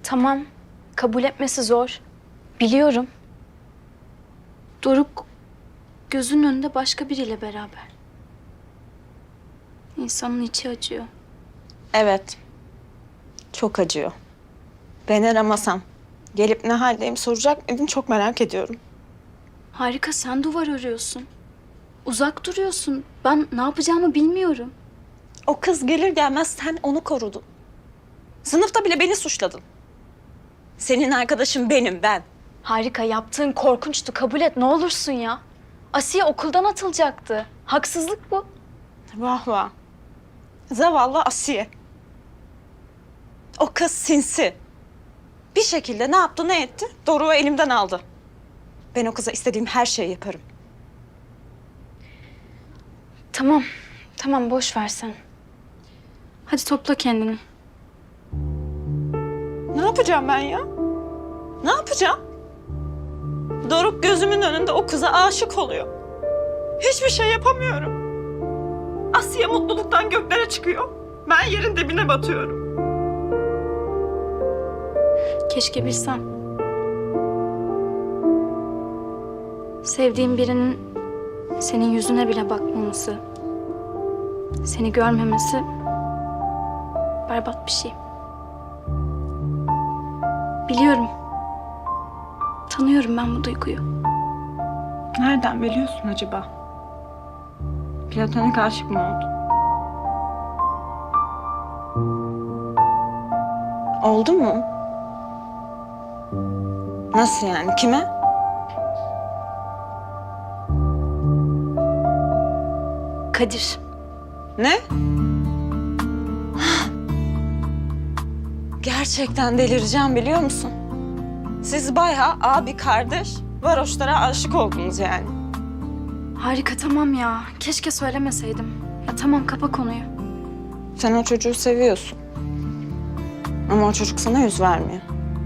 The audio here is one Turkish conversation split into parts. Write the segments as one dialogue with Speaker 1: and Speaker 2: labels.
Speaker 1: Tamam, kabul etmesi zor. Biliyorum. Doruk gözünün önünde başka biriyle beraber. İnsanın içi acıyor.
Speaker 2: Evet. Çok acıyor. Ben aramasam gelip ne haldeyim soracak mıydın çok merak ediyorum.
Speaker 1: Harika, sen duvar örüyorsun. Uzak duruyorsun. Ben ne yapacağımı bilmiyorum.
Speaker 2: O kız gelir gelmez sen onu korudun. Sınıfta bile beni suçladın. Senin arkadaşın benim, ben.
Speaker 1: Harika, yaptığın korkunçtu. Kabul et, ne olursun ya. Asiye okuldan atılacaktı. Haksızlık bu.
Speaker 2: Vah vah. Zavallı Asiye. O kız sinsi. Bir şekilde ne yaptı ne etti? Doruk'u elimden aldı. Ben o kıza istediğim her şeyi yaparım.
Speaker 1: Tamam, tamam boş ver sen. Hadi topla kendini.
Speaker 2: Ne yapacağım ben ya? Ne yapacağım? Doruk gözümün önünde o kıza aşık oluyor. Hiçbir şey yapamıyorum. Asiye mutluluktan göklere çıkıyor. Ben yerin dibine batıyorum.
Speaker 1: Keşke bilsem. Sevdiğin birinin senin yüzüne bile bakmaması, seni görmemesi berbat bir şey. Biliyorum. Tanıyorum ben bu duyguyu.
Speaker 2: Nereden biliyorsun acaba? Platonik aşık mı oldun? Oldu mu? Nasıl yani? Kime?
Speaker 1: Kadir.
Speaker 2: Ne? Gerçekten delireceğim biliyor musun? Siz bayağı abi kardeş varoşlara aşık oldunuz yani.
Speaker 1: Harika, tamam ya. Keşke söylemeseydim. Ya tamam, kapa konuyu.
Speaker 2: Sen o çocuğu seviyorsun. Ama o çocuk sana yüz vermiyor.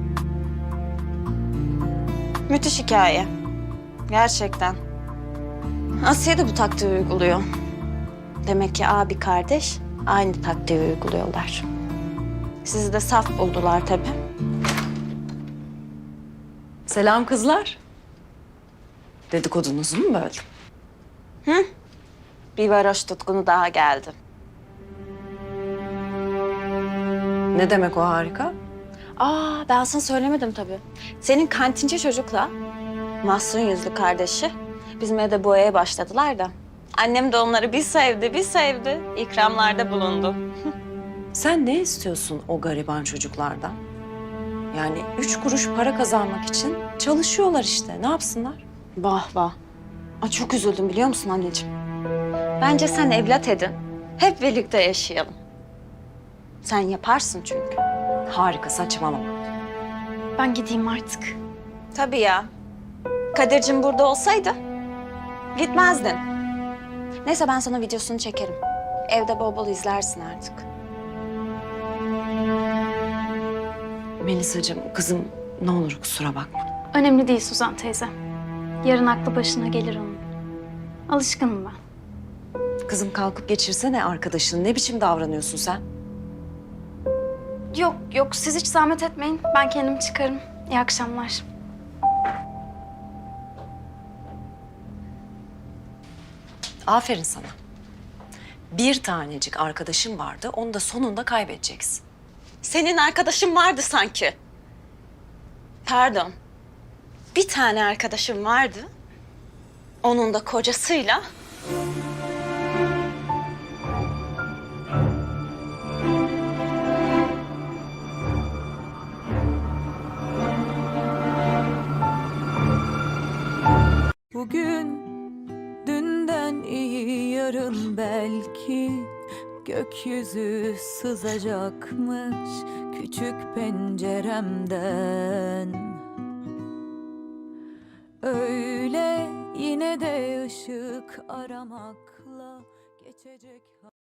Speaker 2: Müthiş hikaye. Gerçekten. Asiye de bu taktiği uyguluyor. Demek ki abi kardeş aynı taktiği uyguluyorlar. Sizi de saf buldular tabii.
Speaker 3: Selam kızlar. Dedikodunuzu mu böldüm?
Speaker 2: Bir varoş tutkunu daha geldi.
Speaker 3: Ne demek o harika?
Speaker 2: Ben sana söylemedim tabii. Senin kantinci çocukla mahzun yüzlü kardeşi bizim evde boyaya başladılar da. Annem de onları bir sevdi, bir sevdi. İkramlarda bulundu.
Speaker 3: Sen ne istiyorsun o gariban çocuklardan? Yani 3 kuruş para kazanmak için çalışıyorlar işte. Ne yapsınlar?
Speaker 2: Vah vah. Çok üzüldüm biliyor musun anneciğim? Bence sen evlat edin. Hep birlikte yaşayalım. Sen yaparsın çünkü.
Speaker 3: Harika, saçmalama.
Speaker 1: Ben gideyim artık.
Speaker 2: Tabii ya. Kadir'cim burada olsaydı gitmezdin. Neyse ben sana videosunu çekerim. Evde bol bol izlersin artık.
Speaker 3: Melisacığım, kızım ne olur kusura bakma.
Speaker 1: Önemli değil Suzan teyze. Yarın aklı başına gelir onun. Alışkınım ben.
Speaker 3: Kızım kalkıp geçirsene arkadaşını. Ne biçim davranıyorsun sen?
Speaker 1: Yok yok, siz hiç zahmet etmeyin. Ben kendim çıkarım. İyi akşamlar.
Speaker 3: Aferin sana. Bir tanecik arkadaşın vardı, onu da sonunda kaybedeceksin.
Speaker 2: Senin arkadaşın vardı sanki. Pardon. Bir tane arkadaşım vardı. Onun da kocasıyla.
Speaker 4: Bugün dünden iyi, yarın belki gökyüzü sızacakmış küçük penceremden. Öyle yine de ışık aramakla geçecek.